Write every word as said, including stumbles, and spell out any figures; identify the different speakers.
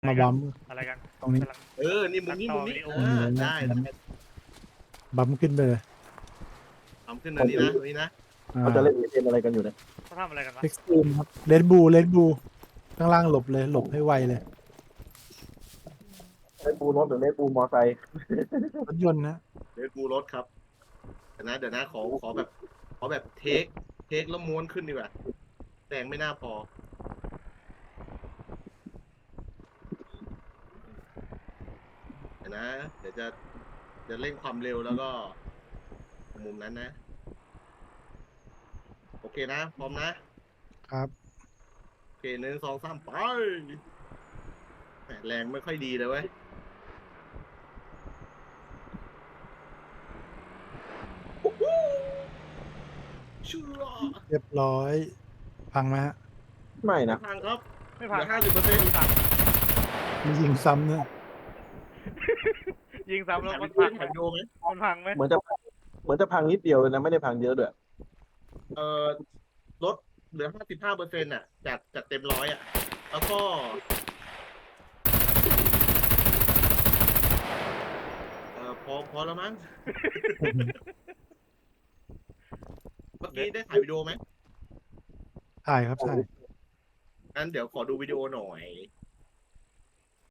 Speaker 1: มาบัม
Speaker 2: อะไรกัน
Speaker 1: ตรงนี้
Speaker 2: กำลัง
Speaker 3: เออ นี่มุมนี้มุมนี้
Speaker 2: ตัดต่อวิดีโอ
Speaker 3: เออได้
Speaker 1: บัมขึ้นไปเลย
Speaker 3: ทำขึ้นนะนี่นะตรงนี้นะ
Speaker 4: เขาจะเล่นเกมอะไรกันอยู่เนี่ย
Speaker 2: เขาทำอะไรกันวะ
Speaker 1: เอ็กซ์ตรีมครับเลนบูเลนบูข้างล่างหลบเลยหลบให้ไวเลย
Speaker 4: เล่นปูรถหรือเล่นปูมอไซค์
Speaker 1: รถยนต์นะ
Speaker 3: เดี๋ยวกูรถครับเดี๋ยวนะเดี๋ยวนะขอขอแบบ ขอแบบเทค เทคแล้วม้วนขึ้นดีกว่าแรงไม่น่าพอ เดี๋ยวนะ เดี๋ยวจะจะเร่งความเร็วแล้วก็ มุมนั้นนะ โอเคนะ พร้อมนะครับ โอเคหนึ่งสองสามไปแหม่แรงไม่ค่อยดีเลยเว้ยโอ้โหเชื่อ
Speaker 1: เรียบร้อยพังไหมฮะ
Speaker 4: ไม่นะ
Speaker 3: ทางครับ
Speaker 2: ไม่
Speaker 3: เห
Speaker 2: พัง
Speaker 3: ลือห้าสิบเปอร์เซ็นต์
Speaker 1: มียิงซ้ำเนี่ย
Speaker 2: ยิงซ้ำแล้ว
Speaker 3: ถ่าย
Speaker 2: มั
Speaker 3: วิ
Speaker 2: น
Speaker 3: ดีโอ
Speaker 2: พัง
Speaker 3: ถ่ายวิดีโอไหม
Speaker 2: มันพังไหม
Speaker 4: เหมือนจะเหมือนจะพังนิดเดียวเลยนะไม่ได้พังเยอะด้วย
Speaker 3: เอ่อลดเหลือห้าสิบห้าเปอร์เซ็นต์อ่ะ จากจากเต็มร้อยอ่ะ แล้วก็เอ่อพอพอแล้วมั้ง เมื่อกี้ได้ถ่ายวิดีโอไหม
Speaker 1: ถ่ายครับถ่าย
Speaker 3: งั้นเดี๋ยวขอดูวิดีโอหน่อย